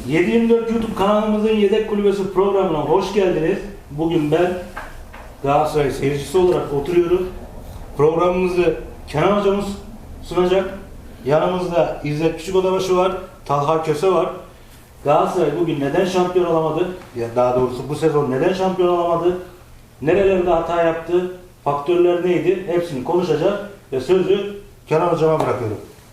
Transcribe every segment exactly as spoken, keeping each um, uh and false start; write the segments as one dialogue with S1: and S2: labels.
S1: yedi yirmi dört YouTube kanalımızın Yedek Kulübesi programına hoş geldiniz. Bugün ben Galatasaray seyircisi olarak oturuyorum. Programımızı Kenan hocamız sunacak. Yanımızda İzzet Küçükodabaşı var, Talha Köse var. Galatasaray bugün neden şampiyon olamadı? Ya daha doğrusu bu sezon neden şampiyon olamadı? Nerelerde hata yaptı? Faktörler neydi? Hepsini konuşacak ve sözü Kenan hocama bırakıyorum.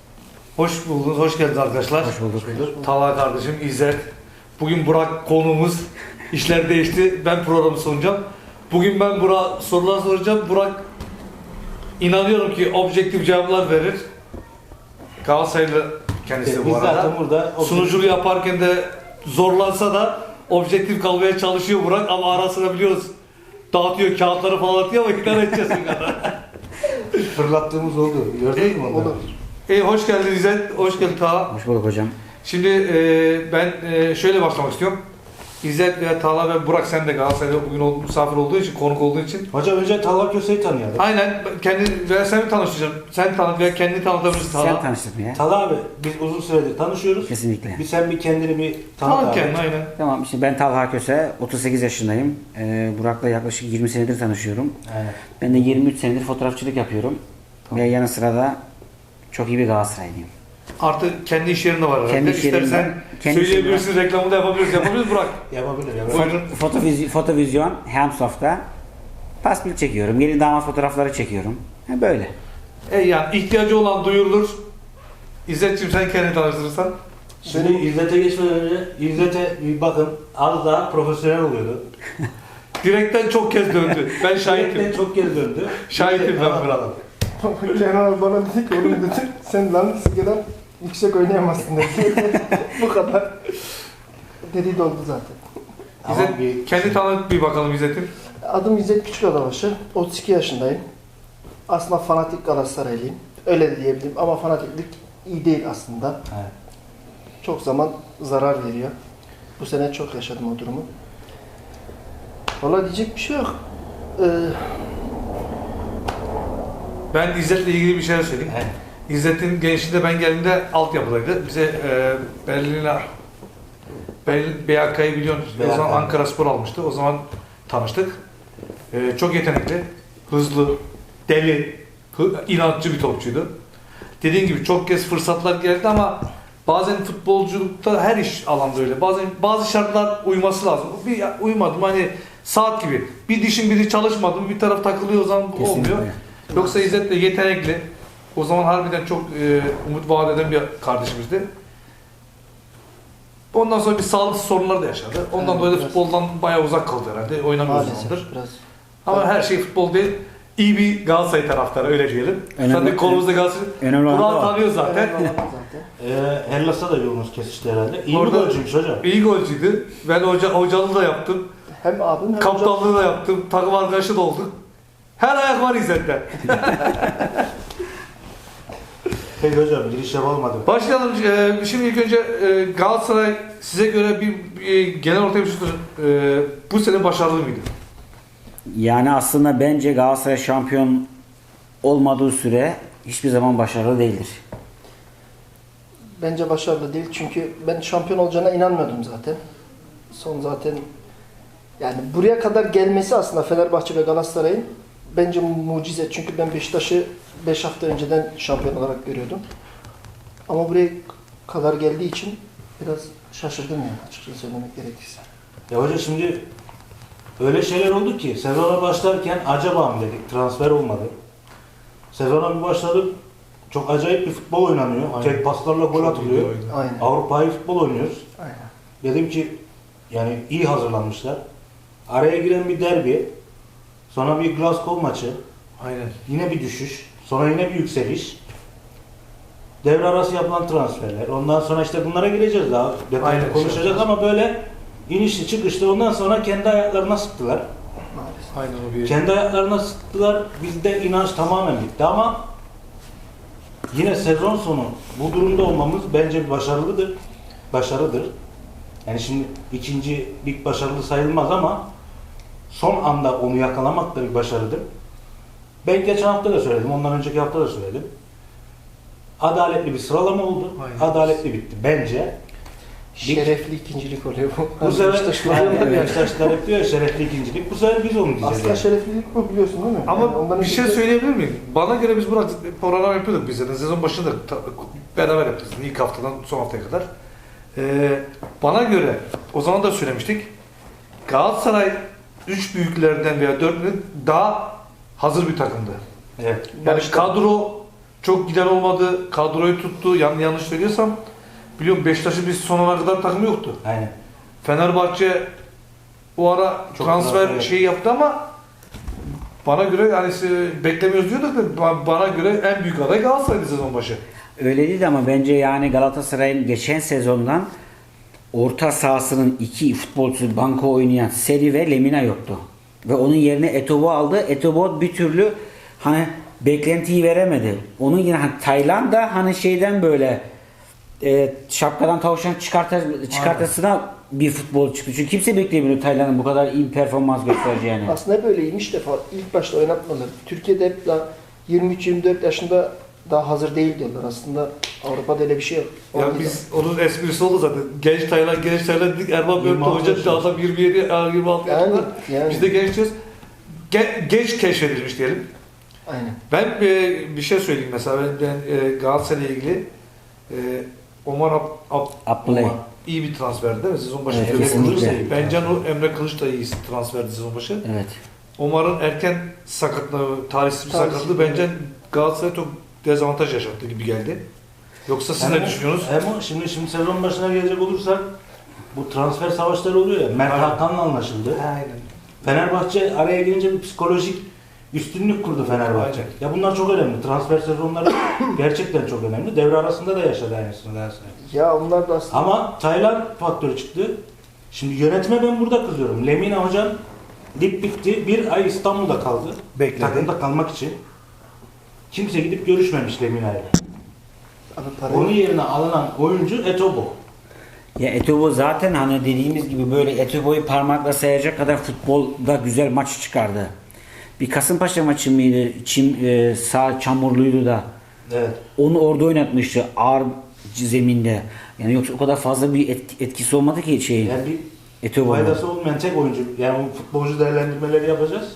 S2: Hoş buldunuz, hoş geldiniz arkadaşlar.
S3: Hoş bulduk.
S2: Talha kardeşim, İzzet. Bugün Burak konuğumuz. İşler değişti. Ben programı sunacağım. Bugün ben Burak'a sorular soracağım. Burak inanıyorum ki objektif cevaplar verir. Galatasaraylı kendisi
S1: Evet,
S2: bu
S1: biz
S2: arada.
S1: zaten burada
S2: Sunuculuğu yaparken de zorlansa da objektif kalmaya çalışıyor Burak ama ara sıra biliyoruz. Dağıtıyor, kağıtları falan atıyor ama ikna edeceğiz bir kadar.
S1: fırlattığımız oldu. Gördünüz mü onları?
S2: İyi, hoş geldin İzzet, hoş geldin Talha.
S3: Hoş bulduk hocam.
S2: Şimdi e, ben e, şöyle başlamak istiyorum. İzzet ve Talha ve Burak, sen de Galatasaray'da bugün ol, misafir olduğu için, konuk olduğu için.
S1: Hocam önce Talha Köse'yi tanıyalım.
S2: Aynen, kendi veya sen mi tanıştıracaksın? Sen tanıt veya kendini tanıtabilirsin Talha.
S3: Sen tanıştın ya.
S1: Talha abi biz uzun süredir tanışıyoruz.
S3: Kesinlikle.
S1: Bir sen bir kendini bir tanıt
S2: Tanıt
S1: abi.
S2: kendini, aynen.
S3: Tamam, işte ben Talha Köse, otuz sekiz yaşındayım. Ee, Burak'la yaklaşık yirmi senedir tanışıyorum.
S1: Aynen.
S3: Ben de yirmi üç senedir fotoğrafçılık yapıyorum. Ve yanı sıra da çok iyi bir Galatasaraylıyım.
S2: Artık kendi iş yerinde var herhalde.
S3: Kendi iş yerimden,
S2: İstersen
S3: kendi
S2: söyleyebilirsin, reklamını da yapabiliriz. Yapabiliriz Burak.
S1: Yapabilir yapabilir.
S2: Buyurun.
S3: Fotovizyon, fotovizyon Helmsoft'ta pasbil çekiyorum. Gelin damat fotoğrafları çekiyorum. Ha, böyle.
S2: E yani ihtiyacı olan duyurulur. İzzetciğim, sen kendini tanıştırırsan.
S1: Şimdi İzzet'e geçmeden önce İzzet'e bir bakın az daha profesyonel oluyordu.
S2: Direkten çok kez döndü. Ben şahitim.
S1: Şahitim. Çok geri döndü.
S2: Şahitim ben Burak.
S4: Kenan abi bana dedi ki oğlum dedi sen lan sigara yüksek oynayamazsın dedi. Bu kadar. Dediği de oldu zaten.
S1: Tamam,
S2: İzzet,
S1: bir-
S2: kendi tanıt bir bakalım İzzet'im.
S4: Adım İzzet Küçükodabaşı. otuz iki yaşındayım. Aslında fanatik Galatasaraylıyım. Öyle de diyebilirim ama fanatiklik iyi değil aslında.
S1: Evet.
S4: Çok zaman zarar veriyor. Bu sene çok yaşadım o durumu. Valla diyecek bir şey yok. Ee,
S2: Ben İzzet'le ilgili bir şeyler söyleyeyim.
S1: Evet.
S2: İzzet'in gençliğinde ben geldiğimde altyapıdaydı. Bize e, Berlin'e Berlin B A K'yı biliyorsunuz.
S1: B A K.
S2: O zaman Ankara Spor almıştı. O zaman tanıştık. E, çok yetenekli, hızlı, deli, hı, inatçı bir topçuydu. Dediğim gibi çok kez fırsatlar geldi ama bazen futbolculukta her iş alanda öyle. Bazen bazı şartlar uyması lazım. Bir uymadım hani saat gibi. Bir dişin biri çalışmadı mı bir taraf takılıyor o zaman
S3: Kesinlikle.
S2: olmuyor. Yoksa İzzet de yetenekli. O zaman harbiden çok e, umut vaat eden bir kardeşimizdi. Ondan sonra bir sağlık sorunları da yaşadı. Ondan
S4: Evet,
S2: dolayı da
S4: biraz.
S2: futboldan bayağı uzak kaldı herhalde. Oynamıyor o
S4: maalesef
S2: zamandır.
S4: biraz.
S2: Ama her şey futbol değil. İyi bir Galatasaray taraftarı öyle diyelim.
S3: Önemli-
S2: Zaten konumuzda Galatasaray.
S3: Önemli olan da
S2: Burak'ı
S3: o.
S2: tanıyor zaten.
S4: Önemli olan zaten.
S1: Ee, Hellas'ta da yolunuz kesişti herhalde. İyi
S2: Orada-
S1: bir golcüymüş hocam.
S2: İyi golcüydü. Ben hoca, hocalığı da yaptım.
S4: Hem abim hem hocam.
S2: Kaptanlığı da yaptım. Takım arkadaşı da olduk. Her ayak var İzzet'te.
S1: Peki hocam giriş yapalım hadi.
S2: Başlayalım. Ee, Şimdi ilk önce e, Galatasaray size göre bir, bir genel ortaya bir şey sorayım. Ee, bu sene başarılı mıydı?
S3: Yani aslında bence Galatasaray şampiyon olmadığı süre hiçbir zaman başarılı değildir.
S4: Bence başarılı değil çünkü ben şampiyon olacağına inanmıyordum zaten. Son zaten yani buraya kadar gelmesi aslında Fenerbahçe ve Galatasaray'ın bence mucize. Çünkü ben Beşiktaş'ı beş hafta önceden şampiyon olarak görüyordum. Ama buraya kadar geldiği için biraz şaşırdım yani açıkçası söylemek gerekirse.
S1: Ya hocam şimdi öyle şeyler oldu ki sezona başlarken acaba mı dedik transfer olmadı. Sezona bir başladık çok acayip bir futbol oynanıyor.
S2: Aynen.
S1: Tek paslarla gol atılıyor.
S4: Aynen.
S1: Avrupa'yı futbol oynuyoruz.
S4: Aynen.
S1: Dedim ki yani iyi hazırlanmışlar. Araya giren bir derbi, sonra bir Glasgow maçı,
S2: Aynen.
S1: yine bir düşüş, sonra yine bir yükseliş. Devre arası yapılan transferler. Ondan sonra işte bunlara gireceğiz daha. Detaylı
S2: Aynen,
S1: konuşacağız
S2: şey
S1: ama böyle inişli çıkışlı ondan sonra kendi ayaklarına sıktılar.
S4: Maalesef.
S2: Aynen o bir.
S1: Kendi ayaklarına sıktılar. Bizde inanç tamamen bitti ama yine sezon sonu bu durumda olmamız bence bir başarılıdır. Başarıdır. Yani şimdi ikinci lig başarılı sayılmaz ama son anda onu yakalamak da bir başarıdır. Ben geçen hafta da söyledim, ondan önceki hafta da söyledim. Adaletli bir sıralama oldu.
S2: Aynen.
S1: Adaletli bitti bence.
S4: Şerefli ikincilik oluyor bu.
S1: Bu sefer
S4: Beşiktaşlar-
S1: yani Beşiktaşlar hep diyor ya şerefli ikincilik. Bu sefer biz onu diyeceğiz.
S4: Aslında
S1: yani.
S4: şereflilik bu, biliyorsun değil mi?
S2: Ama
S4: Yani ondan
S2: bir şey
S4: önceki-
S2: söyleyebilir miyim? Bana göre biz burada program yapıyorduk biz zaten. Sezon başında ta- beraber yaptık. İlk haftadan son haftaya kadar. Ee, bana göre o zaman da söylemiştik. Galatasaray üç büyüklerden veya dörtlüğün daha hazır bir takımdı.
S1: Evet.
S2: Yani
S4: Başta-
S2: kadro çok giden olmadı. Kadroyu tuttu. Yan, yanlış söylüyorsam biliyorum Beşiktaş'ın bir sonuna kadar takımı yoktu.
S1: Aynen.
S2: Fenerbahçe o ara
S1: Çok
S2: transfer
S1: transfer
S2: şeyi yaptı ama bana göre yani siz beklemiyoruz diyorduk da ba- bana göre en büyük aday Galatasaray'dı sezon başı.
S3: Öyle değil ama bence yani Galatasaray'ın geçen sezondan orta sahasının iki futbolcusu banko oynayan Seri ve Lemina yoktu. Ve onun yerine Etobo aldı. Etobo bir türlü hani beklentiyi veremedi. Onun yine hani Tayland da hani şeyden böyle e, şapkadan tavşan çıkarta, çıkartasına bir futbol çıktı. Çünkü kimse beklemiyor Tayland'ın bu kadar iyi bir performans göstereceğini.
S4: Aslında hep öyleymiş defa. İlk başta oynatmadılar. Türkiye'de hep daha yirmi üç yirmi dört yaşında daha hazır değil diyorlar. Aslında Avrupa'da öyle bir şey yok.
S2: Ya
S4: Orada
S2: biz onun esprisi oldu zaten. Genç Taylan, genç Taylan dedik. Erman Bört'te
S1: yirmi altı
S2: hoca
S1: yaşında.
S2: adam yirmi yedi, yirmi altı
S4: Yani,
S2: yaşında.
S4: yani.
S2: Biz de genç diyoruz. Ge- genç keşfedilmiş diyelim.
S4: Aynen.
S2: Ben e, bir şey söyleyeyim mesela. Ben, ben e, Galatasaray'la ilgili e, Omar Ab, Ab,
S3: Abdullah.
S2: Omar iyi bir transferdi değil mi? Sezon başı.
S3: Evet,
S2: Emre
S3: kesinlikle.
S2: Kılıç da iyi. Bence o Emre Kılıç da iyi transferdi sezon başı.
S3: Evet.
S2: Omar'ın erken sakatlığı, talihsiz bir
S4: Talihsiz.
S2: sakatlığı bence Galatasaray'a çok dezavantaj yaşattı gibi geldi. Yoksa siz ne
S1: Hem o-
S2: düşünüyorsunuz?
S1: Hem o, şimdi, şimdi sezon başına gelecek olursak bu transfer savaşları oluyor ya. Mert
S2: Aynen.
S1: Hakan'la anlaşıldı.
S2: Aynen.
S1: Fenerbahçe araya girince bir psikolojik üstünlük kurdu Fenerbahçe.
S2: Aynen.
S1: Ya bunlar çok önemli. Transfer sezonları gerçekten çok önemli. Devre arasında da yaşadı aynısını Galatasaray.
S4: Ya onlar da aslında
S1: Ama Tayland faktörü çıktı. Şimdi yönetime ben burada kızıyorum. Lemina hocam lig bitti. Bir ay İstanbul'da kaldı.
S2: Bekledi.
S1: Takımda kalmak için. Kimse gidip görüşmemiş Lemina'yla.
S4: abi para
S1: Onun
S4: yok.
S1: yerine alınan oyuncu Etobo.
S3: Ya Etobo zaten hani dediğimiz gibi böyle Etobo'yu parmakla sayacak kadar futbolda güzel maç çıkardı. Bir Kasımpaşa maçı mıydı? Çim e, sağ çamurluydu da.
S1: Evet.
S3: Onu orada oynatmıştı ağır zeminde. Yani yoksa o kadar fazla bir etki- etkisi olmadı ki şeyin.
S1: Yani bir
S3: Etobo'nun.
S1: faydası olmayan tek oyuncu. Yani o futbolcu değerlendirmeleri yapacağız.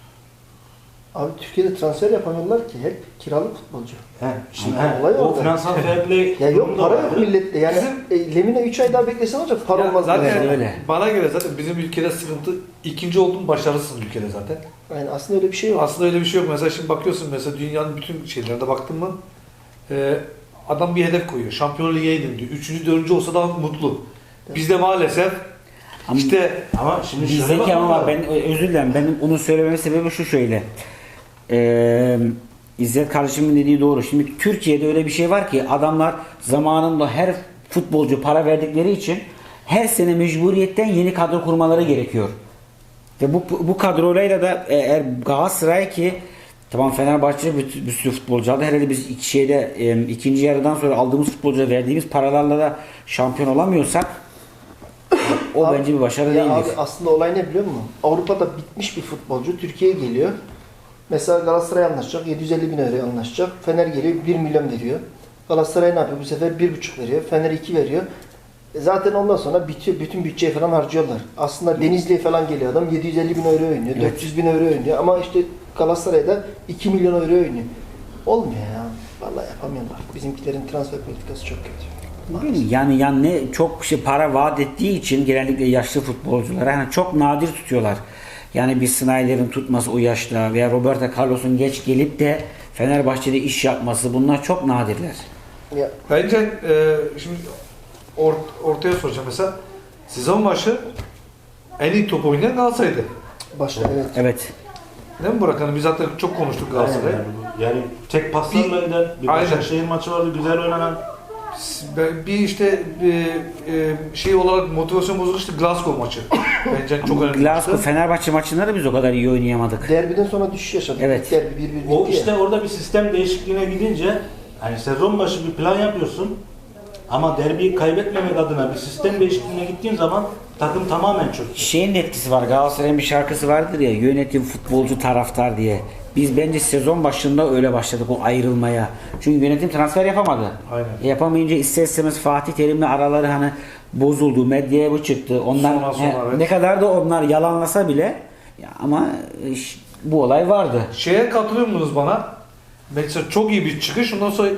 S4: Abi Türkiye'de transfer yapamıyorlar ki, hep kiralık futbolcu.
S1: He, şimdi
S4: Ama
S1: he,
S4: olay
S1: o
S4: orada.
S1: finansal fair play
S4: Ya yok,
S1: durumunda
S4: para yok
S1: vardı.
S4: millette. Yani
S2: Bizim-
S4: e, Lemina üç ay daha beklesen olacak, para
S2: Ya
S4: olmaz.
S2: zaten
S4: yani.
S3: öyle.
S2: bana göre zaten bizim ülkede sıkıntı ikinci oldun başarısın ülkede zaten.
S4: Yani aslında öyle bir şey yok.
S2: Aslında öyle bir şey yok. Mesela şimdi bakıyorsun mesela dünyanın bütün şeylerine baktın mı e, adam bir hedef koyuyor. Şampiyonlar Ligi'ne gidin diyor. Üçüncü, dördüncü olsa da mutlu. Bizde maalesef
S3: Ama
S2: işte
S1: Ama şimdi şöyle
S3: bizdeki
S1: bakmak
S3: ama
S1: lazım.
S3: ben özür dilerim. Benim onu söylememin sebebi şu şöyle. Ee, İzzet kardeşimin dediği doğru. Şimdi Türkiye'de öyle bir şey var ki adamlar zamanında her futbolcu para verdikleri için her sene mecburiyetten yeni kadro kurmaları gerekiyor. Ve bu bu kadroyla da eğer Galatasaray ki tamam Fenerbahçe bir, bir sürü futbolcu aldı. Herhalde biz iki şeyde e, ikinci yarıdan sonra aldığımız futbolcuya verdiğimiz paralarla da şampiyon olamıyorsak o
S4: Abi-
S3: bence bir başarı
S4: Ya
S3: değildir.
S4: abi aslında olay ne biliyor musun? Avrupa'da bitmiş bir futbolcu Türkiye'ye geliyor. Mesela Galatasaray anlaşacak, yedi yüz elli bin euro anlaşacak. Fener geliyor, bir milyon veriyor. Galatasaray ne yapıyor? Bu sefer bir buçuk veriyor. Fener iki veriyor. E zaten ondan sonra bitiyor. Bütün bütçeyi falan harcıyorlar. Aslında Denizli'ye falan geliyor adam. yedi yüz elli bin euro oynuyor.
S3: Evet.
S4: dört yüz bin euro oynuyor. Ama işte Galatasaray'da iki milyon euro oynuyor. Olmuyor ya. Vallahi yapamıyorlar. Bizimkilerin transfer politikası çok kötü.
S3: Bilmiyorum, Yani yani ne çok şey para vaat ettiği için genellikle yaşlı futbolculara yani çok nadir tutuyorlar. Yani bir Snyder'in tutması o yaşta veya Roberto Carlos'un geç gelip de Fenerbahçe'de iş yapması bunlar çok nadirler.
S4: Ya
S2: bence e, şimdi or, ortaya soracağım mesela sezon başı en iyi top oynayan Galatasaray'dı.
S4: başta evet.
S3: Evet.
S2: Değil mi Burak? Hani biz zaten çok konuştuk
S1: Aynen
S2: Galatasaray'ı.
S1: yani, bu- yani tek paslarla
S2: Bir-
S1: eden bir
S2: Aynen.
S1: Başakşehir maçı vardı güzel oynanan.
S2: Ben- Bir işte e, e, şey olarak motivasyon bozuk işte Glasgow maçı. Bence çok önemli.
S3: Glasgow
S2: maçtı.
S3: Fenerbahçe maçında da biz o kadar iyi oynayamadık.
S4: Derbiden sonra düşüş yaşadık.
S3: Evet.
S4: İlk derbi bir bir
S1: O
S4: bitti ya.
S1: işte orada bir sistem değişikliğine gidince hani sezon başı bir plan yapıyorsun ama derbiyi kaybetmemek adına bir sistem değişikliğine gittiğin zaman takım tamamen çöktü.
S3: Şeyin de etkisi var. Galatasaray'ın bir şarkısı vardır ya yönetim futbolcu taraftar diye. Biz bence sezon başında öyle başladık o ayrılmaya. Çünkü yönetim transfer yapamadı.
S2: Aynen.
S3: E, Yapamayınca ister istemez Fatih Terim'le araları hani bozuldu, medyaya bu çıktı. Onlar
S2: Sonra, sonra,
S3: he,
S2: evet.
S3: ne kadar da onlar yalanlasa bile ya ama e, ş- bu olay vardı.
S2: Şeye katılıyor musunuz bana? Mesela çok iyi bir çıkış. Ondan sonra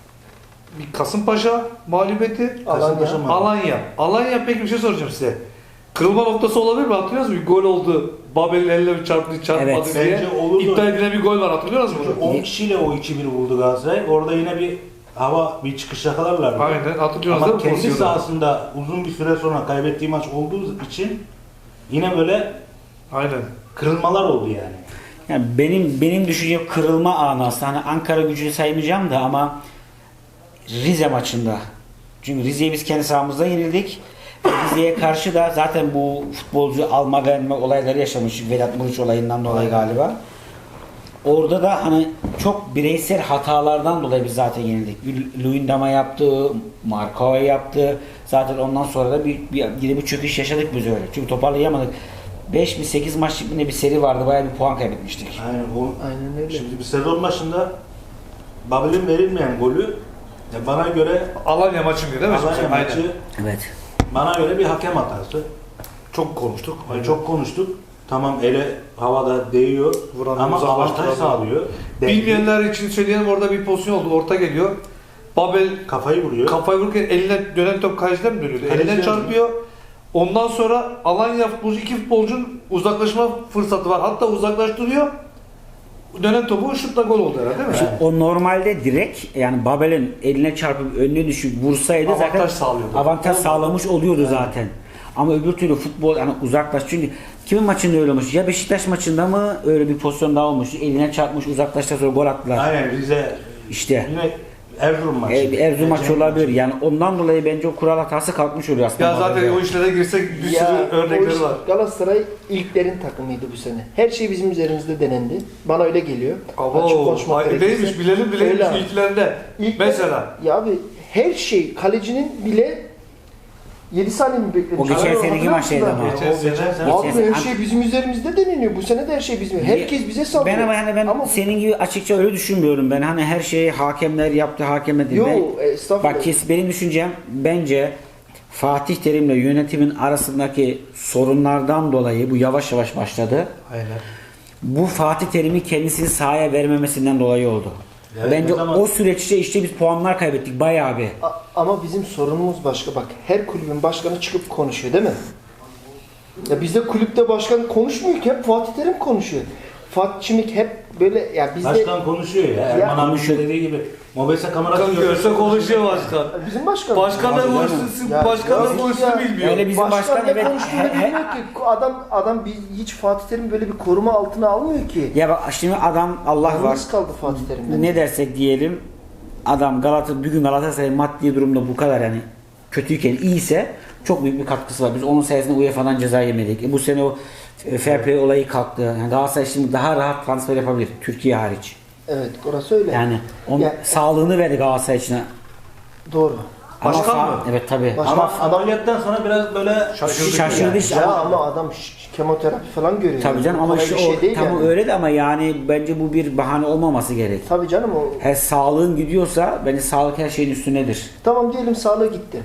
S2: bir Kasımpaşa mağlubiyeti.
S4: Alanya.
S1: mı?
S2: Alanya. Alanya peki bir şey soracağım size. Kırılma noktası olabilir mi? Hatırlıyor musunuz? Bir gol oldu. Babel'in eline bir çarptı, çarpmadı
S3: Evet.
S2: diye.
S1: Bence olurdu.
S2: İptal edilen bir gol var. Hatırlıyor musunuz?
S1: Çünkü on kişiyle o iki bir vurdu Galatasaray. Orada yine bir hava, bir çıkış yakalarlar.
S2: Aynen. Hatırlıyorsunuz
S1: Ama
S2: değil mi
S1: kendi
S2: pozisyonu?
S1: sahasında uzun bir süre sonra kaybettiği maç olduğu için yine böyle
S2: Aynen.
S1: kırılmalar oldu yani.
S3: Yani benim benim düşüncem kırılma anı aslında. Hani Ankara Gücü'nü saymayacağım da ama Rize maçında. Çünkü Rize'yi biz kendi sahamızda yenildik. Rize'ye karşı da zaten bu futbolcu alma verme olayları yaşamış. Vedat Muriç olayından dolayı galiba. Orada da hani çok bireysel hatalardan dolayı biz zaten yenildik. Luyendama yaptı, Markova yaptı. Zaten ondan sonra da bir, bir, yine bir çöküş yaşadık biz öyle. Çünkü toparlayamadık. beş mi sekiz maçlık bir seri vardı. Bayağı bir puan kaybetmiştik.
S1: Aynen, o,
S4: Aynen öyle.
S1: Şimdi bir sezon başında Babel'in verilmeyen golü ya bana göre
S2: Alanya maçıydı değil mi?
S1: Alanya
S2: Aynen.
S1: maçı
S3: Evet.
S1: bana göre bir hakem hatası.
S2: Çok konuştuk.
S1: Yani çok konuştuk. Tamam ele havada değiyor
S2: Vuran
S1: ama
S2: uzaklaştıran
S1: avantaj sağlıyor.
S2: Bilmeyenler için söyleyelim, orada bir pozisyon oldu. Orta geliyor. Babel
S1: Kafayı vuruyor.
S2: kafayı vururken eline dönen top kaleciden mi dönüyordu?
S1: Kaleciden
S2: Elinden çarpıyor. Ondan sonra Alanya futbolcu, iki futbolcunun uzaklaşma fırsatı var. Hatta uzaklaştırıyor. Dönen topu şutla gol oldu herhalde değil mi?
S3: Şimdi o normalde direkt yani Babel'in eline çarpıp önüne düşüp vursaydı
S2: Avantaj
S3: zaten
S2: sağlıyordu.
S3: avantaj sağlamış oluyordu zaten. Ama öbür türlü futbol yani uzaklaş çünkü kimin maçında öyle olmuş? Ya Beşiktaş maçında mı öyle bir pozisyon daha olmuş? Eline çarpmış uzaklaşta sonra gol attılar.
S1: Aynen Rize
S3: İşte
S1: yine Erzurum maçı.
S3: e, Erzurum maçı
S1: Erzurum
S3: olabilir. Yani ondan dolayı bence o kural hatası kalkmış oluyor aslında.
S2: Ya zaten
S3: Babel'de.
S2: o işlere girsek bir
S4: Ya,
S2: sürü
S4: o
S2: örnekleri
S4: iş-
S2: var.
S4: Galatasaray ilklerin takımıydı bu sene. Her şey bizim üzerimizde denendi. Bana öyle geliyor. Açık
S2: Abo,
S4: konuşmak
S2: ay-
S4: gerekirse.
S2: neymiş bilelim bilelim
S4: Öyle abi.
S2: ilklerinde.
S4: İlkler-
S2: Mesela.
S4: Ya abi her şey kalecinin bile yedi saniye mi beklemiş?
S3: O geçen
S4: Abi,
S3: seneki
S4: hatırlıyor
S3: maçtaydı
S4: musun
S3: ama.
S4: abi?
S2: Geçen
S1: O geçen
S2: sene-
S1: sene.
S4: Abi
S3: Geçen-
S4: her şey bizim üzerimizde deneniyor. Bu sene de her şey bizim. Herkes bize saldırıyor.
S3: Ben ama hani ben
S4: Ama
S3: senin gibi açıkça öyle düşünmüyorum ben. Hani her şeyi hakemler yaptı, hakemler değil.
S4: Yo,
S3: Ben-
S4: estağfurullah.
S3: Bak kes benim düşüncem bence Fatih Terim'le yönetimin arasındaki sorunlardan dolayı bu yavaş yavaş başladı.
S2: Aynen.
S3: Bu Fatih Terim'i kendisini sahaya vermemesinden dolayı oldu.
S1: Evet,
S3: Bence
S1: ne zaman-
S3: o süreçte işte biz puanlar kaybettik bayağı bir.
S4: A- ama bizim sorunumuz başka. Bak her kulübün başkanı çıkıp konuşuyor değil mi? Ya bizde kulüpte başkan konuşmuyor ki hep Fatih Terim konuşuyor. Fatih Çimik hep böyle ya bizde
S1: Başkan konuşuyor ya. Erman abi
S3: konuşuyor.
S1: dediği gibi. Mobese kamerası
S2: Kan görse konuşuyor başkan.
S4: bizim başkan.
S2: Başkan da
S1: Abi,
S2: konuşsun,
S4: Ya-
S2: başkan
S4: ya-
S2: da konuşsun
S4: ya-
S2: bilmiyor.
S3: Öyle bizim
S4: başkan,
S3: başkan
S4: ne
S3: evet,
S4: konuştuğunu
S3: he- he-
S4: bilmiyor ki. Adam adam bir, hiç Fatih Terim böyle bir koruma altına almıyor ki.
S3: Ya bak şimdi adam Allah var.
S4: Yalnız kaldı Fatih Terim'den.
S3: Ne dersek diyelim adam Galata bugün Galatasaray maddi durumda bu kadar yani kötüyken iyiyse çok büyük bir katkısı var. Biz onun sayesinde U E Fa'dan ceza yemedik. E bu sene o e, fair play olayı kalktı. Yani Galatasaray şimdi daha rahat transfer yapabilir Türkiye hariç.
S4: Evet, orası öyle.
S3: Yani onun
S4: Ya-
S3: sağlığını verdi Galatasaray için.
S4: Doğru.
S3: Ama
S2: Başkan
S3: fa-
S2: mı?
S3: Evet tabii.
S4: Başkan-
S1: Ama ameliyattan sonra biraz böyle
S2: Şaşırdık
S3: Şaşırdı
S2: yani.
S3: işte.
S4: Ya
S3: ama-
S4: ama adam ş- kemoterapi falan görüyor.
S3: Tabii canım ama
S4: Kolay
S3: işte
S4: bir şey
S3: o
S4: değil
S3: tamam
S4: yani.
S3: öyle de ama yani bence bu bir bahane olmaması gerek.
S4: Tabii canım o.
S3: Her sağlığın gidiyorsa bence sağlık her şeyin üstündedir.
S4: Tamam diyelim sağlığı gitti.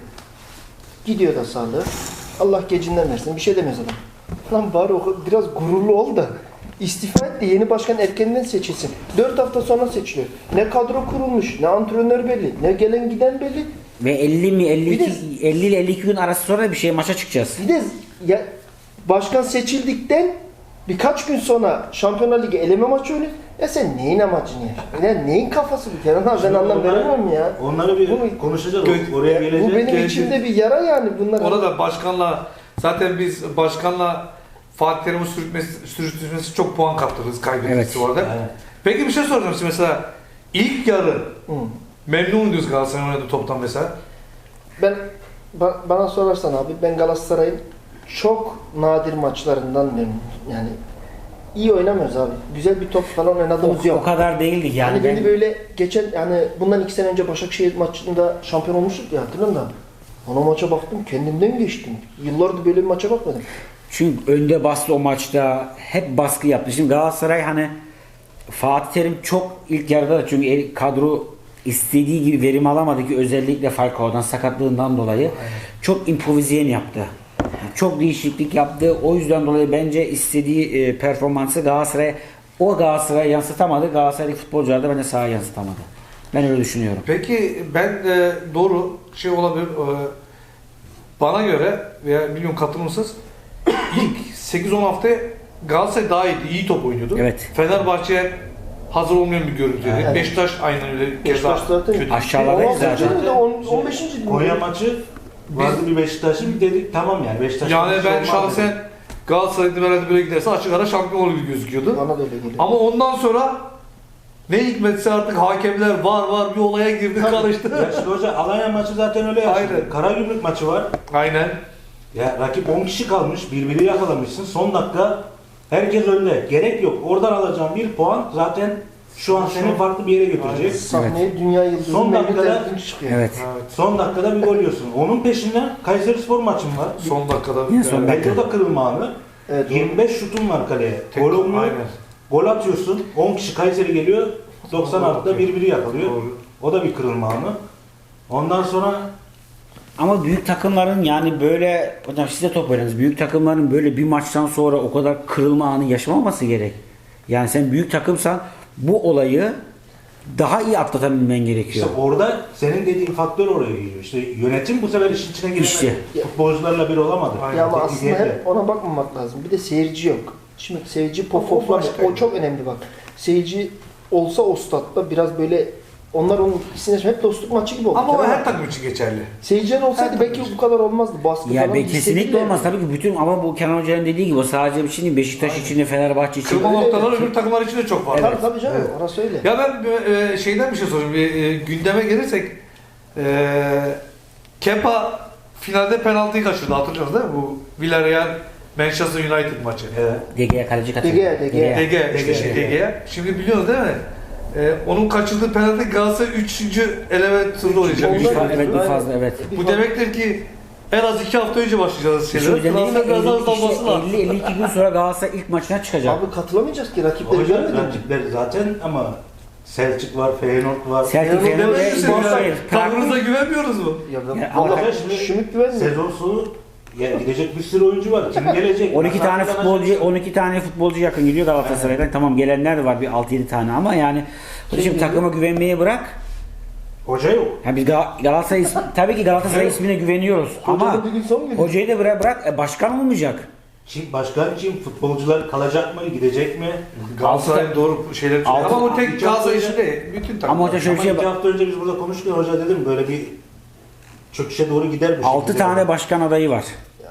S4: Gidiyor da sağlığı. Allah gecinden versin. Bir şey demez adam. Lan bari o biraz gururlu ol da istifa et de yeni başkan erkenden seçilsin. Dört hafta sonra seçiliyor. Ne kadro kurulmuş, ne antrenör belli, ne gelen giden belli.
S3: Ve elli mi elli iki
S4: Bir de-
S3: elli ile elli iki gün arası sonra bir şey maça çıkacağız.
S4: Bir de ya, başkan seçildikten birkaç gün sonra Şampiyonlar Ligi eleme maçı oynuyor. Ya sen neyin amacını ya? Ya neyin kafası bu Kenan abi ben anlam
S1: onları-
S4: veremem ya.
S1: Onları bir
S4: Bu-
S1: konuşacağız.
S2: Gö-
S1: Oraya gelecek.
S4: Bu benim
S2: gelecek.
S4: içimde bir yara yani bunlar.
S2: Ona da başkanla zaten biz başkanla Fatih Terim'in sürütmesi, sürütmesi çok puan kaptırırız kaybetmesi
S3: Evet.
S2: orada.
S1: Aynen.
S2: Peki bir şey soracağım size mesela ilk yarı
S4: Hı.
S2: memnun diyoruz Galatasaray'ın oynadığı toptan mesela.
S4: Ben ba- bana sorarsan abi ben Galatasaray'ın çok nadir maçlarından memnunum. Yani iyi oynamıyoruz abi. Güzel bir top falan
S3: O,
S4: oynadığımız
S3: o
S4: yok.
S3: kadar değildik yani.
S4: Yani
S3: ben,
S4: beni böyle geçen yani bundan iki sene önce Başakşehir maçında şampiyon olmuştuk ya hatırladın mı? Ona maça baktım kendimden geçtim. Yıllardır böyle bir maça bakmadım.
S3: Çünkü önde bastı o maçta. Hep baskı yaptı. Şimdi Galatasaray hani Fatih Terim çok ilk yarıda da çünkü el- kadro istediği gibi verim alamadı ki özellikle Falcao'dan sakatlığından dolayı. çok improvizeyen yaptı. Yani çok değişiklik yaptı. O yüzden dolayı bence istediği e, performansı Galatasaray o Galatasaray'a yansıtamadı. Galatasaray'daki futbolcular da bence sahaya yansıtamadı. Ben öyle düşünüyorum.
S2: Peki ben e, doğru şey olabilir. E, bana göre veya bilmiyorum katılır mısınız? İlk sekiz on hafta Galatasaray daha iyiydi. İyi top oynuyordu.
S3: Evet.
S2: Fenerbahçe hazır olmayan bir görüntüydü.
S4: Evet.
S2: Beşiktaş aynen öyle.
S4: Beşiktaş zaten
S2: kötü.
S3: Aşağılardayız
S4: on
S3: zaten.
S4: altıncı on beşinci
S1: Konya maçı vardı bir Beşiktaş'ın dedik tamam yani Beşiktaş.
S2: Yani
S1: maçı
S2: ben
S1: olmaz
S2: şahsen
S1: dedik.
S2: Galatasaray'ın herhalde böyle giderse açık ara şampiyon olur gibi gözüküyordu.
S4: Bana da öyle geliyor.
S2: Ama ondan sonra ne hikmetse artık hakemler var var bir olaya girdi karıştı.
S1: Ya şimdi hoca Alanya maçı zaten öyle yaşadı.
S2: Aynen.
S1: Karagümrük maçı var.
S2: Aynen.
S1: Ya rakip on kişi kalmış, birbiri yakalamışsın. Son dakika herkes önde. Gerek yok. Oradan alacağın bir puan zaten şu an seni farklı bir yere götürecek.
S4: Sahneye dünya yıldızı
S1: Son
S4: Mehmet
S1: dakikada-
S4: Erdinç çıkıyor.
S3: Evet.
S2: Evet.
S1: Son dakikada bir gol yiyorsun. Onun peşinden Kayserispor maçın var.
S2: Son dakikada.
S3: Yine son
S2: Evet.
S3: dakika.
S1: Belki o da kırılma anı.
S4: Evet,
S1: yirmi beş şutun var kaleye.
S2: Tek-
S1: Gol olmuyor.
S2: aynen.
S1: Gol atıyorsun. on kişi Kayseri geliyor. doksan
S2: Gol
S1: altıda
S2: atıyor.
S1: birbiri yakalıyor.
S2: Doğru.
S1: O da bir kırılma anı. Ondan sonra
S3: Ama büyük takımların yani böyle hocam siz de top oynadınız. Büyük takımların böyle bir maçtan sonra o kadar kırılma anı yaşamaması gerek. Yani sen büyük takımsan bu olayı daha iyi atlatabilmen gerekiyor.
S1: işte orada senin dediğin faktör oraya giriyor. İşte yönetim bu sefer işin içine giremedi.
S3: İşte.
S1: Futbolcularla bir olamadı.
S2: Aynen.
S4: Ya ama
S1: Teknik
S4: aslında
S1: heyet.
S4: hep ona bakmamak lazım. Bir de seyirci yok. Şimdi seyirci pop
S2: O
S4: poplar
S2: başka.
S4: o çok önemli bak. Seyirci olsa o statta biraz böyle onlar onun ikisine hep dostluk maçı gibi oldu.
S2: Ama o
S4: Kerem
S2: her
S4: abi.
S2: takım için geçerli.
S4: Seyirciler olsaydı
S2: Her
S4: belki
S2: takım
S4: bu kadar olmazdı. Baskı
S3: Ya
S4: falan
S3: be, kesinlikle
S4: hissedilir.
S3: olmaz tabii ki bütün ama bu Kenan Hoca'nın dediği gibi o sadece bir şey değil. Beşiktaş için de Fenerbahçe için.
S2: Kırma
S4: öyle,
S2: noktalar
S4: evet.
S2: öbür takımlar için de çok var.
S4: Tabii tabii canım
S2: Evet.
S4: orası öyle.
S2: Ya ben e, şeyden bir şey sorayım. Bir, e, gündeme gelirsek e, Kepa finalde penaltıyı kaçırdı. Hatırlıyorsunuz değil mi? Bu Villarreal Manchester United maçı.
S1: Evet.
S3: D G'ye kaleci katıldı.
S4: D G, D G.
S2: D G, işte
S1: D G.
S2: şey D G'ye. Şimdi biliyorsunuz değil mi? E, onun kaçırdığı penaltı Galatasaray üçüncü eleme turda oynayacak.
S4: Ondan-
S2: Üç
S3: Bir fa-
S2: tane.
S3: evet bir
S4: Aynen.
S3: fazla evet.
S4: Bir
S2: Bu
S4: fa-
S2: demektir ki en az iki hafta önce başlayacağız
S3: İşte o
S2: şeyler.
S3: yüzden dedim ya,
S2: Galatasaray biraz daha hızlanması
S3: elli,
S2: lazım.
S3: elli elli iki gün sonra Galatasaray ilk maçına çıkacak.
S4: Abi katılamayacağız ki rakipleri
S1: Hocam
S4: görmedin mi?
S1: rakipler zaten ama Selçuk var, Feyenoord var.
S3: Celtic
S4: Feyenoord
S3: Feyenoord ve
S4: demezsin
S2: Dememişsin
S4: ya.
S2: ya.
S3: Prag-
S2: Tavrınıza güvenmiyoruz mu?
S4: Ya ben
S3: Ya ama
S4: vallahi
S1: şimdi
S4: Şümit güvenmiyor.
S1: Sezon sonu ya gidecek bir sürü oyuncu var. Kim gelecek?
S3: on iki tane
S1: Nasıl
S3: futbolcu
S1: kazanacaksın?
S3: on iki tane futbolcu yakın gidiyor Galatasaray'dan. Tamam gelenler de var bir altı yedi tane ama yani şimdi
S4: Kim
S3: takıma güvenmeyi bırak.
S1: Hoca yok.
S3: Yani biz Gal- Galatasaray ismi, tabii ki Galatasaray ismine güveniyoruz ama
S4: Hocanın bir gün son günü.
S3: hocayı da bırak, bırak e, başkan olmayacak.
S1: Kim, başkan kim? Futbolcular kalacak mı? Gidecek mi?
S2: Galatasaray'ın doğru şeyler söylüyor.
S3: Altı-
S2: Ama bu tek
S1: altı-
S2: Galatasaray işi değil. Bütün takım.
S3: Ama hoca şöyle
S1: Ama
S3: bir şey
S1: iki
S3: bak.
S1: hafta önce biz burada konuştuk ya hoca dedim böyle bir çöküşe doğru gider bu
S3: altı
S1: şekilde.
S3: tane başkan adayı var.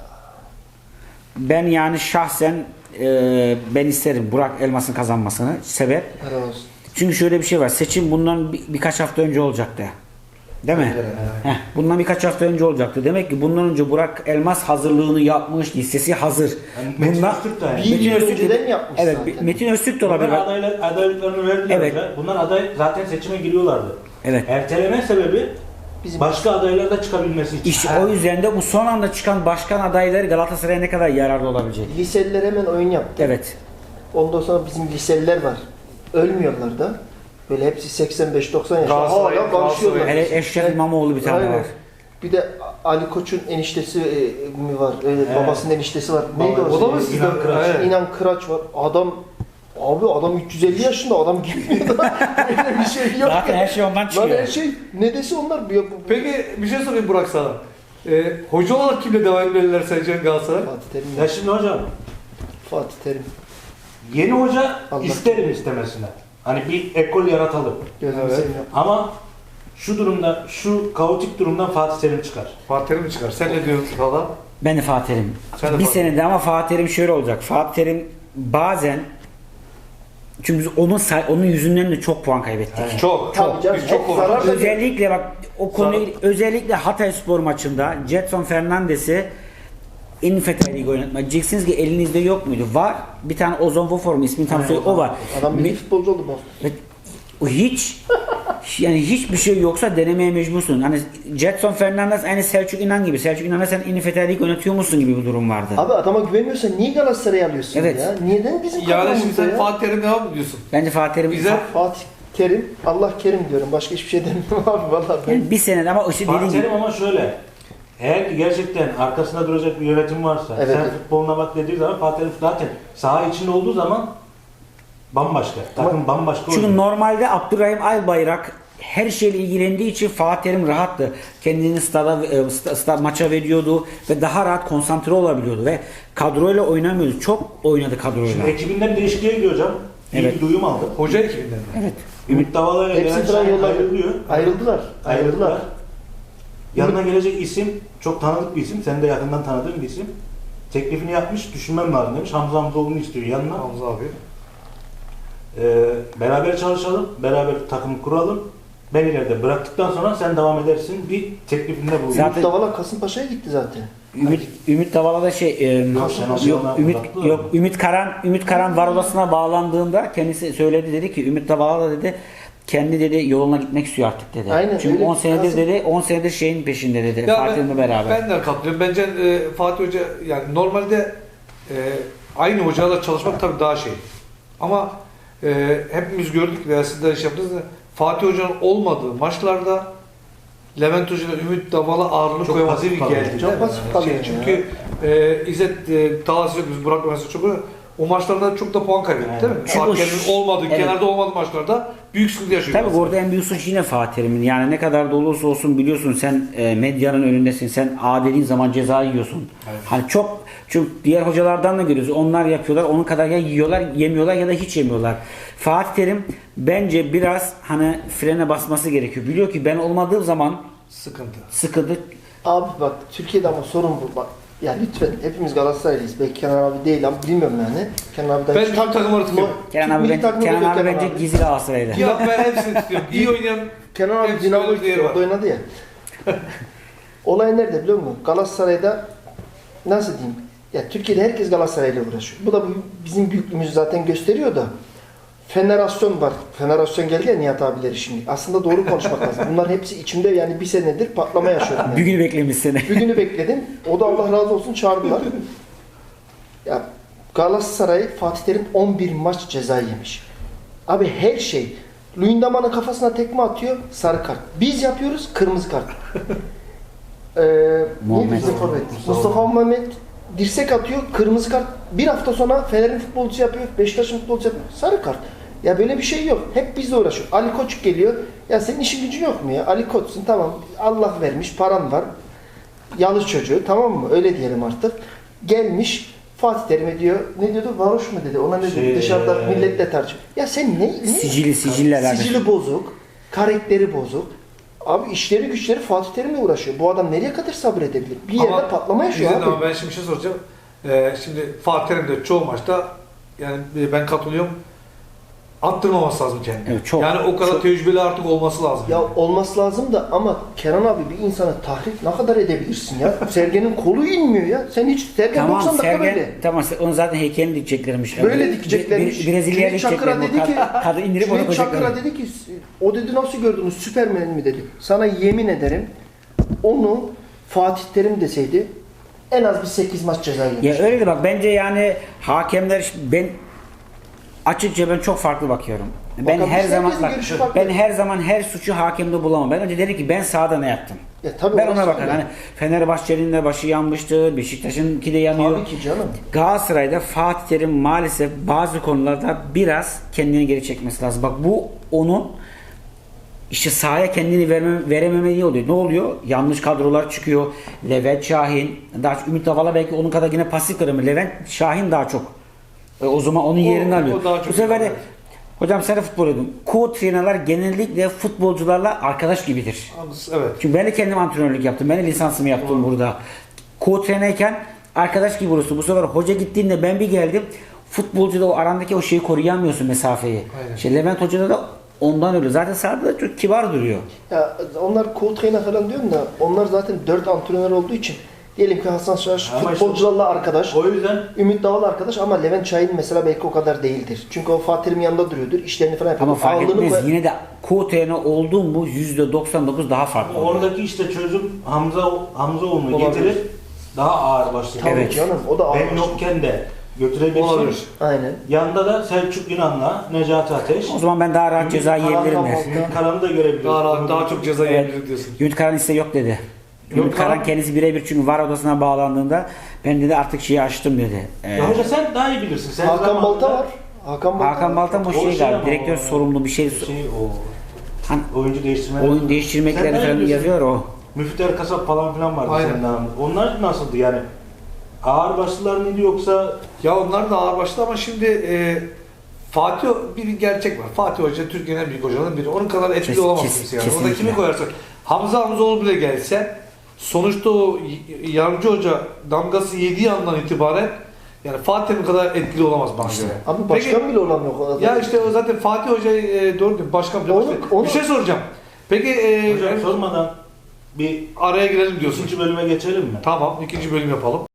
S3: Ben yani şahsen e, ben isterim Burak Elmas'ın kazanmasını. Sebep?
S4: Helal olsun.
S3: Çünkü şöyle bir şey var. Seçim bundan bir- birkaç hafta önce olacaktı. Değil mi? Heh, bundan birkaç hafta önce olacaktı. Demek ki bundan önce Burak Elmas hazırlığını yapmış, listesi hazır.
S1: Yani Metin
S3: Bundan
S1: Öztürk de aynı.
S4: Bir
S3: Metin
S4: yıl
S3: Öztürk-
S4: önceden yapmış
S3: Evet,
S4: zaten.
S3: Metin Öztürk de olabilir.
S1: Bunlar adaylar, adaylıklarını verdiler
S3: Evet.
S1: hoca. Bunlar aday zaten seçime giriyorlardı.
S3: Evet.
S1: Erteleme sebebi
S4: Bizim
S1: başka adaylar da çıkabilmesi için.
S3: İşte o yüzden de bu son anda çıkan başkan adayları Galatasaray'a ne kadar yararlı olabilecek?
S4: liseliler hemen oyun yaptı.
S3: Evet.
S4: Ondan sonra bizim liseliler var. Ölmüyorlar da. Böyle hepsi seksen beş doksan yaşında
S2: Galatasaray-
S4: hala konuşuyorlar.
S3: Hele Eşref İmamoğlu bir tane
S4: Aynen.
S3: var.
S4: Bir de Ali Koç'un eniştesi e, mi var? Öyle
S1: Evet.
S4: babasının eniştesi var. Neydi
S1: Baba-
S4: o?
S2: O da mı
S1: İnan
S2: sizden?
S1: Kıraç.
S2: Evet.
S4: İnan Kıraç var. Adam abi adam üç yüz elli yaşında adam gibi da öyle bir şey yok.
S3: Zaten
S4: ya.
S3: her şey ondan
S4: Lan
S3: çıkıyor.
S4: her şey ne dese onlar. Bu, bu,
S2: Peki bir şey sorayım Burak sana. Ee, hoca olarak kimle devam etmeliler sence Galatasaray?
S4: Fatih Terim.
S1: Ya şimdi hocam
S4: Fatih Terim.
S1: yeni hoca
S4: Allah.
S1: isterim istemesine. Hani bir ekol yaratalım.
S4: Gözünü
S2: Evet.
S4: seveyim.
S1: Ama şu durumda, şu kaotik durumdan Fatih Terim çıkar.
S2: Fatih Terim mi çıkar? Sen ne diyorsun falan?
S3: Ben de Fatih Terim.
S2: Sen de
S3: Bir
S2: Fatih.
S3: senede ama Fatih Terim şöyle olacak. Fatih Terim bazen çünkü biz onun say- onun yüzünden de çok puan kaybettik.
S2: Çok.
S4: Tabii canım,
S2: Biz çok
S4: hep
S2: konuştuk.
S4: zarar-
S3: Özellikle bak o konuyu özellikle Hatayspor maçında Jetson Fernandes'i Infeta'yı oynatmak. Diyeceksiniz ki elinizde yok muydu? Var. Bir tane Ozon Vofor mu ismini tam söyle o var.
S4: Adam milli
S3: Me-
S4: futbolcu oldu bu.
S3: Ve o hiç yani hiçbir şey yoksa denemeye mecbursun. Hani Jetson Fernandes aynı Selçuk İnan gibi. Selçuk İnan'a sen İnfeta'yı yönetiyor musun gibi bir durum vardı.
S4: Abi adama güvenmiyorsan niye Galatasaray'ı alıyorsun
S3: Evet.
S4: ya? Neden bizim
S2: Yani şimdi
S4: kadromuzda
S2: sen
S4: ya?
S2: Fatih Terim devam mı diyorsun?
S3: Bence Fatih Terim
S2: Bize
S4: Fatih Terim, Allah Kerim diyorum. Başka hiçbir şey demiyorum abi vallahi. Ben...
S3: yani bir senede ama işte
S1: Fatih
S3: dediğin gibi
S1: Terim ama şöyle. Eğer ki gerçekten arkasında duracak bir yönetim varsa,
S4: Evet,
S1: sen
S4: evet.
S1: futboluna bak dediği zaman Fatih Terim zaten saha içinde olduğu zaman bambaşka. Takım bambaşka
S3: Çünkü
S1: oluyor.
S3: normalde Abdurrahim Albayrak her şeyle ilgilendiği için Fatih Terim rahattı. Kendini stada, e, sta, sta- maça veriyordu ve daha rahat konsantre olabiliyordu ve kadroyla oynamıyordu. Çok oynadı kadroyla.
S1: Şimdi ekibinden değişikliğe gidiyor hocam. İyi
S3: Evet.
S1: bir duyum aldım.
S2: Hoca ekibinden mi?
S3: Evet.
S1: Ümit Davala ile
S4: Hepsi
S1: Levent
S4: falan
S1: Şahin
S4: yollar
S1: ayrılıyor.
S4: Ayrıldılar.
S1: Ayrıldılar. Yanına gelecek isim çok tanıdık bir isim. Sen de yakından tanıdığın bir isim. Teklifini yapmış, düşünmem lazım demiş. Hamza Hamzoğlu'nu istiyor yanına.
S2: Hamza abi.
S1: Ee, beraber çalışalım, beraber takım kuralım. Ben ileride bıraktıktan sonra sen devam edersin. Bir teklifinde bulunuyor.
S3: Zaten-
S4: Ümit Davala Kasımpaşa'ya gitti zaten.
S3: Ümit Ümit Davala da şey e,
S1: Yok, sen
S3: yok,
S1: ondan
S3: Ümit
S1: uzaklı
S3: yok
S1: ol.
S3: Ümit Karan Ümit Karan var odasına bağlandığında kendisi söyledi, dedi ki Ümit Davala da dedi kendi dedi yoluna gitmek istiyor artık dedi.
S4: Aynen,
S3: Çünkü
S4: öyle
S3: on senedir
S4: lazım.
S3: dedi on senedir şeyin peşinde dedi.
S2: Ya
S3: Fatih Terim'le beraber.
S2: Ben de katılıyorum. Bence e, Fatih Hoca yani normalde e, aynı hocayla çalışmak tabii daha şey. Ama e, hepimiz gördük veya siz de iş yaptınız da Fatih Hoca'nın olmadığı maçlarda Levent Hoca ile Ümit Davala ağırlık
S1: Çok
S2: koyması
S1: pasif
S2: bir
S1: kalıyor.
S2: geldi.
S4: Çok
S2: değil mi?
S4: pasif
S2: Yani
S4: kalıyor
S2: şey,
S4: ya.
S2: çünkü e, İzzet e, Talhası yok, biz Burak mesela çok o maçlarda çok da puan kaybetti değil mi?
S3: Çünkü o-
S2: Hakem'in olmadığı,
S3: Evet.
S2: kenarda olmadığı maçlarda büyük sıkıntı yaşıyor.
S3: Tabii
S2: Galatasaray.
S3: orada en büyük suç yine Fatih Terim'in. Yani ne kadar da olursa olsun biliyorsun sen e, medyanın önündesin. Sen A dediğin zaman ceza yiyorsun.
S2: Evet.
S3: Hani çok çünkü diğer hocalardan da görüyoruz. Onlar yapıyorlar. Onun kadar ya yiyorlar, yemiyorlar ya da hiç yemiyorlar. Fatih Terim bence biraz hani frene basması gerekiyor. Biliyor ki ben olmadığım zaman
S2: Sıkıntı.
S3: sıkıntı.
S4: Abi bak Türkiye'de ama sorun bu. Bak ya lütfen hepimiz Galatasaraylıyız. Belki Kenan abi değil ama bilmiyorum yani. Kenan abiden
S2: Ben tüm takımları tutuyorum.
S3: Kenan
S4: Türk
S3: abi,
S4: milli
S3: ben,
S4: takımı
S3: Kenan
S4: yok
S3: abi
S4: Kenan
S3: bence
S4: abi.
S3: gizli Galatasaray'da.
S2: Ya ben hepsini tutuyorum. İyi oynayan
S4: Kenan abi
S2: hepsi
S4: Dinamo
S2: öyle değeri var.
S4: oynadı ya. Olay nerede biliyor musun? Galatasaray'da nasıl diyeyim? Ya Türkiye'de herkes Galatasaray'la uğraşıyor. Bu da bu- bizim büyüklüğümüzü zaten gösteriyor da. Fenerasyon var. Fenerasyon geldi ya Nihat abileri şimdi. Aslında doğru konuşmak lazım. Bunların hepsi içimde yani bir senedir patlama yaşıyorum. Yani.
S3: Bir günü beklemiş seni.
S4: Bir günü bekledim. O da Allah razı olsun çağırdılar. Ya Galatasaray Fatih Terim on bir maç ceza yemiş. Abi her şey. Luyendama'nın kafasına tekme atıyor, sarı kart. Biz yapıyoruz, kırmızı kart. Ee,
S3: Muhammed.
S4: ne bizim forvet? Mustafa Mehmet dirsek atıyor, kırmızı kart. Bir hafta sonra Fener'in futbolcusu yapıyor, Beşiktaş'ın futbolcusu yapıyor, sarı kart. Ya böyle bir şey yok. Hep bizle uğraşıyor. Ali Koç geliyor. Ya senin işin gücün yok mu ya? Ali Koç'sun tamam. Allah vermiş, paran var. Yalnız çocuğu tamam mı? Öyle diyelim artık. Gelmiş Fatih Terim'e diyor. Ne diyordu? Varoş mu dedi? Ona ne dedi?
S1: Şey,
S4: Dışarıda
S1: eee,
S4: milletle tartışıyor. Ya sen ne? ne?
S3: Sicili, sicille alakalı.
S4: Sicili bozuk. Karakteri bozuk. Abi işleri güçleri Fatih Terim'le uğraşıyor. Bu adam nereye kadar sabredebilir? Bir yerde
S2: Ama
S4: patlama yaşıyor
S2: İzzet
S4: abi.
S2: ama ben şimdi bir şey soracağım. Ee, şimdi Fatih Terim de çoğu maçta yani ben katılıyorum. Attırmaması lazım kendini.
S3: Evet, çok,
S2: yani o kadar
S3: çok.
S2: tecrübeli artık olması lazım.
S4: Ya olması lazım da ama Kenan abi bir insanı tahrik ne kadar edebilirsin ya? Sergen'in kolu inmiyor ya. Sen hiç Sergen
S3: Tamam
S4: doksan dakika
S3: Sergen,
S4: böyle.
S3: tamam onu zaten heykelini dikeceklermiş.
S4: Böyle
S3: Bir-
S4: dikeceklermiş.
S3: bir- Brezilya'ya
S4: Cüneyt Çakır'a
S3: dikecekler.
S4: dedi ki,
S3: Kadı indirip onu
S4: Cüneyt Çakır'a
S3: koyacaklar.
S4: dedi ki, o dedi nasıl gördünüz Süpermen mi dedi. Sana yemin ederim onu Fatih Terim deseydi en az bir sekiz maç ceza yemiş.
S3: Ya öyle de bak bence yani hakemler ben açıkça ben çok farklı bakıyorum. Ben
S4: Bakalım,
S3: her
S4: herkesin
S3: zaman bak,
S4: görüşü farklı.
S3: ben her zaman her suçu hakemde bulamam. Ben önce derim ki ben sahada ne yaptım?
S4: Ya tabii
S3: Ben
S4: orası
S3: ona bakarım.
S4: öyle.
S3: Hani Fenerbahçe'nin de başı yanmıştır, Beşiktaş'ınki de yanıyor.
S4: Tabii ki canım.
S3: Galatasaray'da Fatih Terim maalesef bazı konularda biraz kendini geri çekmesi lazım. Bak bu onun işte sahaya kendini verme, verememediği oluyor. Ne oluyor? Yanlış kadrolar çıkıyor. Levent Şahin, daha çok Ümit Davala belki onun kadar yine pasif kalır mı? Levent Şahin daha çok. E, o zaman onun
S2: O-
S3: yerini
S2: o
S3: alıyor.
S2: daha çok
S3: Bu sefer de
S2: evet.
S3: hocam sen de futbol oynadın. Co-trainerlar genellikle futbolcularla arkadaş gibidir.
S2: Evet.
S3: Çünkü ben de kendim antrenörlük yaptım. Ben de lisansımı yaptım burada. Co-trainerken arkadaş gibi olursun. Bu sefer hoca gittiğinde ben bir geldim. Futbolcuda o arandaki o şeyi koruyamıyorsun mesafeyi.
S2: Aynen.
S3: İşte Levent Hoca'da da ondan öyle. Zaten sahada da çok kibar duruyor.
S4: Ya onlar co-trainer falan diyorum da onlar zaten dört antrenör olduğu için diyelim ki Hasan Şaş
S1: Ama işte-
S4: futbolcularla arkadaş.
S1: O yüzden
S4: Ümit Davala arkadaş ama Levent Şahin mesela belki o kadar değildir. Çünkü o Fatih Terim'in yanında duruyordur. İşlerini falan yapıyor.
S3: Ama fark
S4: Ağırlığını
S3: etmez.
S4: koy-
S3: Yine de co-trainer olduğum mu yüzde doksan dokuz daha farklı. oluyor.
S1: oradaki işte çözüm Hamza Hamzaoğlu'nu
S2: Olabilir.
S1: getirir. Daha ağır başlı.
S4: Tabii
S3: Evet.
S4: canım o da ağır.
S1: Ben yokken de götürebilsin.
S2: Olabilir.
S4: Aynen.
S1: Yanında da Selçuk Yunan'la Necati Ateş.
S3: O zaman ben daha rahat ceza
S1: Ümit Karan
S3: yiyebilirim
S1: da-
S3: der.
S1: Ümit Karan'ı da görebiliyoruz.
S2: Daha, rahat, daha çok ceza
S3: Evet.
S2: yiyebilir diyorsun.
S3: Ümit Karan ise yok dedi. Ümit Karan kendisi birebir çünkü VAR odasına bağlandığında ben dedi artık şeyi açtım dedi. Ee,
S1: Ya hoca sen daha iyi bilirsin. Sen
S4: Hakan
S1: zamanında-
S4: Balta var. Hakan Balta,
S3: Hakan Balta bu
S1: O
S3: şey
S1: şey
S3: galiba
S1: ama
S3: direktör
S1: o-
S3: sorumlu bir şey.
S1: Şey o.
S3: Hani
S1: Oyuncu değiştirme.
S3: oyun değiştirmekleri
S1: Sen ne
S3: falan
S1: yapıyorsun?
S3: yazıyor o.
S1: Müftü Erkasap falan filan vardı
S2: Aynen.
S1: senin zamanında. Onlar nasıldı yani? Ağır başlılar mıydı yoksa
S2: Ya onlar da ağır başlı ama şimdi e, Fatih bir gerçek var. Fatih Hoca Türkiye'nin en büyük hocalarından biri. Onun kadar etkili
S3: Kes-
S2: olamaz
S3: kes-
S2: kimse yani. Orada
S3: kesinlikle.
S2: kimi koyarsak. Hamza Hamzoğlu bile gelse sonuçta o y- yardımcı hoca damgası yediği andan itibaren yani Fatih'in kadar etkili olamaz bana göre.
S4: Abi başkan bile olamıyor o kadar.
S2: Ya işte o zaten Fatih Hoca'yı e, doğru değil, başkan bile.
S4: Onu-
S2: İşte
S4: onu-
S2: Bir şey soracağım. Peki e,
S1: hocam sormadan bir
S2: araya girelim diyorsun.
S1: ikinci bölüme geçelim mi?
S2: Tamam, ikinci bölüm yapalım.